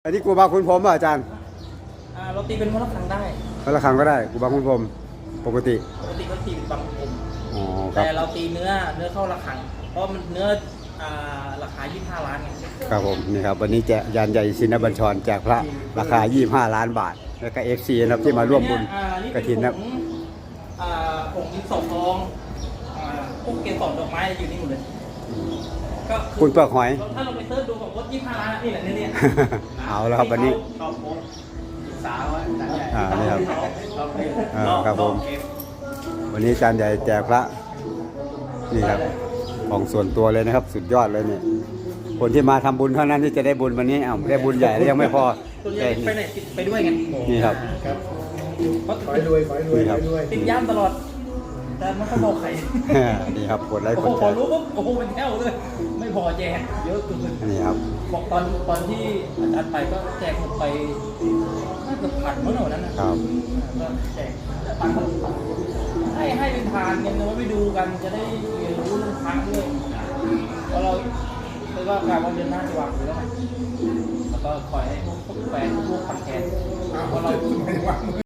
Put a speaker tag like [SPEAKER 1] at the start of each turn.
[SPEAKER 1] อันนี้กูบาคุณพรหมป่ะอาจารย์
[SPEAKER 2] เราตีเป็นวัดระฆังได้
[SPEAKER 1] วัดระฆังก็ได้กูบาคุณพรหมปกติ
[SPEAKER 2] ก็ตีเป็นบางกลม
[SPEAKER 1] อ๋อ
[SPEAKER 2] แต่เราตีเนื้อเข้าระฆังเพราะมันเนื้อราคา25 ล้านไง
[SPEAKER 1] ครับผมนี่ครับวันนี้แจกยานใหญ่ชินบัญชรแจกพระราคา25 ล้านบาทแล้วก็ FC นะครับที่มาร่วมบุญกฐินนะ
[SPEAKER 2] ผงดินสอทองพวกเกสรดอกไม้อยู่นี่หมดเลยก็
[SPEAKER 1] คุณเปลือกหอย
[SPEAKER 2] ถ้าเราไปเซิร์ชดูของวัด25 ล้านนี่แหละเนี่ย
[SPEAKER 1] เอาแล้วครับวันนี้
[SPEAKER 2] สาว
[SPEAKER 1] นี่ครับครับผมวันนี้จานใหญ่แจกพระนี่ครับของส่วนตัวเลยนะครับสุดยอดเลยเนี่ยคนที่มาทำบุญเท่านั้นที่จะได้บุญวันนี้ได้บุญใหญ่แล้วยังไม่พอ
[SPEAKER 2] ไปไหนไปด้วยไง
[SPEAKER 1] นี่ครับ
[SPEAKER 3] ขอให้รวย
[SPEAKER 2] ติดย่ามตลอดแต่ไม่ค่อยบอกใคร
[SPEAKER 1] นี่ครับกดไลค์กดแชร์
[SPEAKER 2] พอรู้ปุ๊บโอ้โหเป็นแถวเลยไม่พอแจกเยอะเกิน
[SPEAKER 1] นี่ครับ
[SPEAKER 2] บอกตอนที่อาจารย์ไปก็แจกหมดไปน่าจะพันเมื่อไหร่นั้นนะครับก็แจกปันให้เป็นทานกันว่าไปดูกันจะได้เรียนรู้เรื่องพระด้วยเพราะเราเลยว่าการวันเดือนหน้าจะวางอยู่แล้วไงแล้วก็คอยให้พวกแฟนพวกคอนแทนเพราะเรา